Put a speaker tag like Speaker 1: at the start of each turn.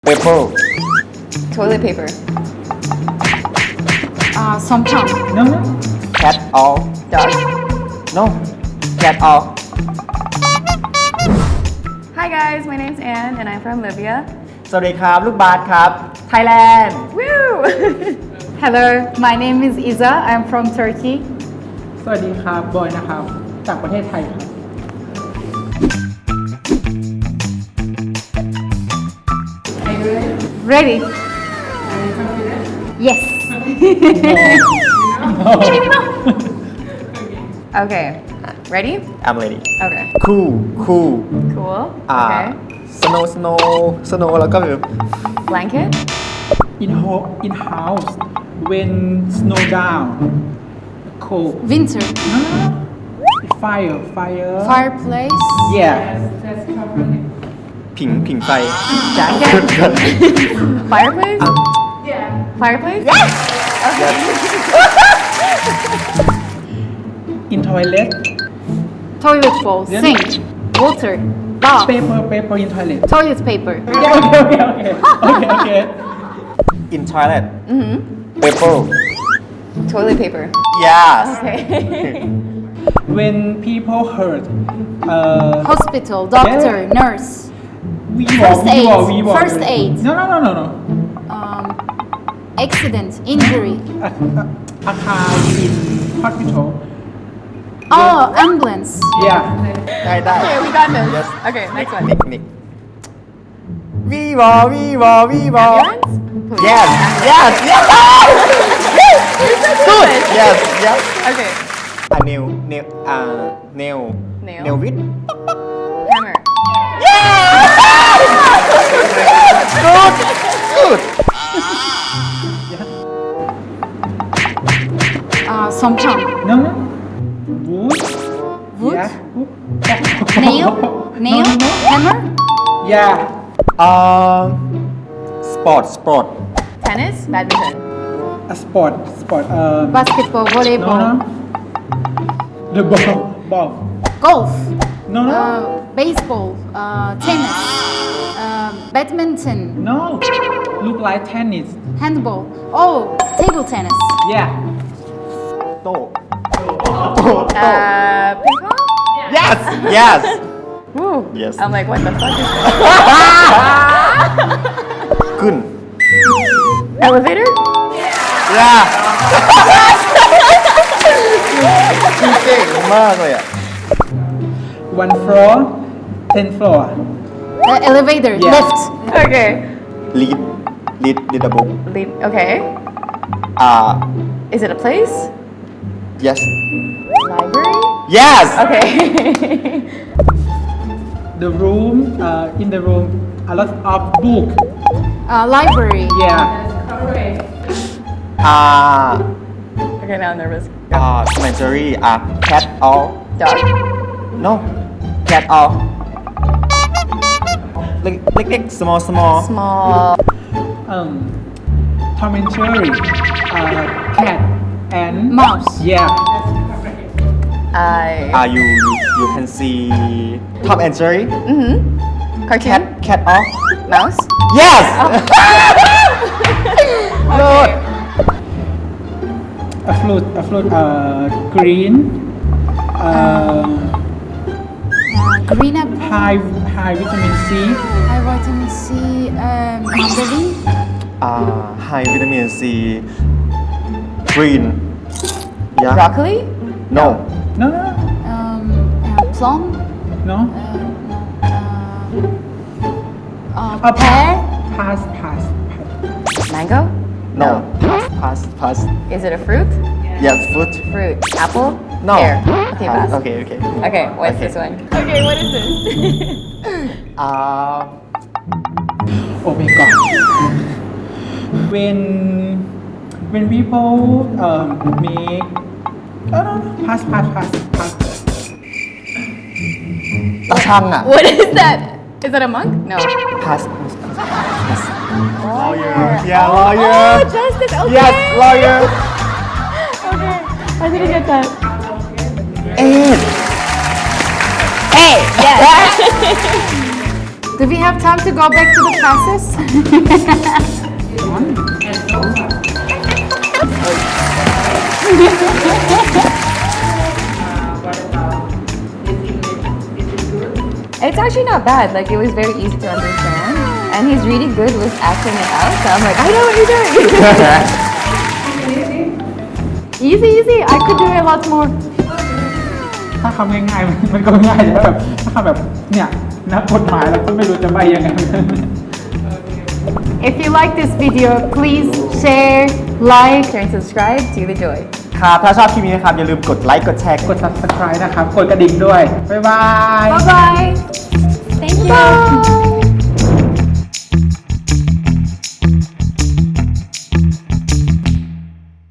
Speaker 1: Paper.
Speaker 2: Toilet paper.
Speaker 3: sometimes.
Speaker 4: No, no.
Speaker 1: Cat or
Speaker 2: Dog.
Speaker 1: no. Cat or
Speaker 2: Hi guys, my name's Anne and I'm from Libya.
Speaker 1: สวัสดีครับ ลูกบาสครับ Thailand.
Speaker 2: Woo!
Speaker 3: Hello, my name is Iza. I'm from Turkey.
Speaker 4: สวัสดีครับ บอยนะครับ จากประเทศไทยครับ
Speaker 3: Ready? Yes.
Speaker 2: Okay. Ready?
Speaker 1: I'm ready.
Speaker 2: Okay.
Speaker 1: Cool.
Speaker 2: Cool.
Speaker 1: อ่า
Speaker 2: Okay.
Speaker 1: snow แล้วก็แบบ
Speaker 2: Blanket.
Speaker 4: in house when snow down cold
Speaker 3: Winter.
Speaker 4: no no no fire
Speaker 3: Fireplace.
Speaker 4: yeah
Speaker 1: ผิงไฟ
Speaker 2: Jacket. Fireplace? Fireplace? Yes!
Speaker 4: in toilet
Speaker 3: Toilet bowl.
Speaker 4: Yeah.
Speaker 3: Sink. Water. Bath.
Speaker 4: paper in toilet
Speaker 3: Toilet paper.
Speaker 4: okay
Speaker 1: in toilet paper
Speaker 2: Toilet paper.
Speaker 1: yes
Speaker 2: Okay.
Speaker 4: when people hurt
Speaker 3: Hospital. Doctor. Nurse.
Speaker 4: First
Speaker 3: aid.
Speaker 4: no
Speaker 3: Accident. Injury.
Speaker 4: อาคาร in hospital
Speaker 3: Oh, ambulance.
Speaker 4: yeah
Speaker 1: ได้
Speaker 2: Okay, we got this.
Speaker 1: Yes.
Speaker 2: Okay, next one.
Speaker 1: Nick Viva
Speaker 2: Ambulance?
Speaker 1: yes
Speaker 2: Good.
Speaker 1: yes
Speaker 2: Okay.
Speaker 1: nail
Speaker 2: Nail.
Speaker 1: with
Speaker 2: Hammer.
Speaker 1: good
Speaker 3: Sometimes.
Speaker 4: no wood
Speaker 3: Wood?
Speaker 4: yeah
Speaker 3: Nail. Nail.
Speaker 4: no
Speaker 3: Hammer.
Speaker 4: yeah
Speaker 1: sport
Speaker 2: Tennis. Badminton.
Speaker 4: a sport
Speaker 3: Basketball.
Speaker 4: no
Speaker 3: Volleyball.
Speaker 4: the ball
Speaker 3: Golf.
Speaker 4: no
Speaker 3: Baseball. Tennis. Badminton.
Speaker 4: no look like tennis
Speaker 3: Handball. Oh, table tennis.
Speaker 4: yeah
Speaker 1: โต้
Speaker 2: Ping pong.
Speaker 1: yes
Speaker 2: Woo.
Speaker 1: Yes.
Speaker 2: I'm like, what the fuck is that?
Speaker 1: ขึ้น
Speaker 2: Elevator?
Speaker 1: yeah เก่งมากเลยอ่ะ
Speaker 4: one floor 10 floor
Speaker 3: Elevator.
Speaker 4: Yeah.
Speaker 3: Lift.
Speaker 2: Okay.
Speaker 1: lead the book
Speaker 2: Okay. Is it a place?
Speaker 1: yes
Speaker 2: Library?
Speaker 1: yes
Speaker 2: Okay.
Speaker 4: the room in the room a lot of book
Speaker 3: Library.
Speaker 4: yeah
Speaker 2: Okay, now I'm nervous.
Speaker 1: cemetery cat or
Speaker 2: Dog.
Speaker 1: no cat or เล็กๆ small
Speaker 2: Small.
Speaker 4: Tom and Jerry cat and
Speaker 3: Mouse.
Speaker 4: yeah
Speaker 1: you can see Tom and Jerry
Speaker 2: Cartoon?
Speaker 1: cat or
Speaker 2: Mouse?
Speaker 1: yes
Speaker 2: Okay.
Speaker 4: a fruit green
Speaker 3: Green apple.
Speaker 4: high vitamin C
Speaker 3: High vitamin C. Mandarin.
Speaker 1: high vitamin C green yeah
Speaker 2: Broccoli?
Speaker 1: no
Speaker 4: no
Speaker 3: Plum.
Speaker 4: no
Speaker 3: Pear.
Speaker 4: pass
Speaker 2: Mango?
Speaker 1: no pass
Speaker 2: Is it a fruit?
Speaker 1: yes fruit
Speaker 2: Fruit. Apple?
Speaker 1: no
Speaker 2: Pear. Okay, pass.
Speaker 1: okay
Speaker 2: Okay, what's
Speaker 1: Okay.
Speaker 2: this one? Okay, what is this?
Speaker 4: oh my god when people make no pass
Speaker 1: ตาช่างอ่ะ
Speaker 2: What is that? Is that a monk? No.
Speaker 1: pass lawyer
Speaker 2: Oh,
Speaker 1: yeah lawyer
Speaker 2: justice. Okay.
Speaker 1: yes lawyer
Speaker 2: Okay. I didn't get that.
Speaker 1: eight
Speaker 2: Hey, yes.
Speaker 3: Do we have time to go back to the classes?
Speaker 2: It's actually not bad. Like, it was very easy to understand. And he's really good with acting it out. So I'm like, I know what you're doing.
Speaker 3: Easy, easy. I could do a lot more.
Speaker 4: ถ้าคำง่ายๆมันก็ง่ายแต่แบบถ้าคำแบบเนี่ยนักกฎหมายเราก็ไม่รู้จะใบยังไง
Speaker 3: If you like this video, please share, like,
Speaker 2: And subscribe to The Joy.
Speaker 1: ครับ ถ้าชอบคลิปนี้นะครับ อย่าลืมกดไลค์ กดแชร์
Speaker 4: กด subscribe นะครับ กดกระดิ่งด้วย บ๊ายบาย
Speaker 3: bye bye.
Speaker 2: Thank you.
Speaker 3: Bye.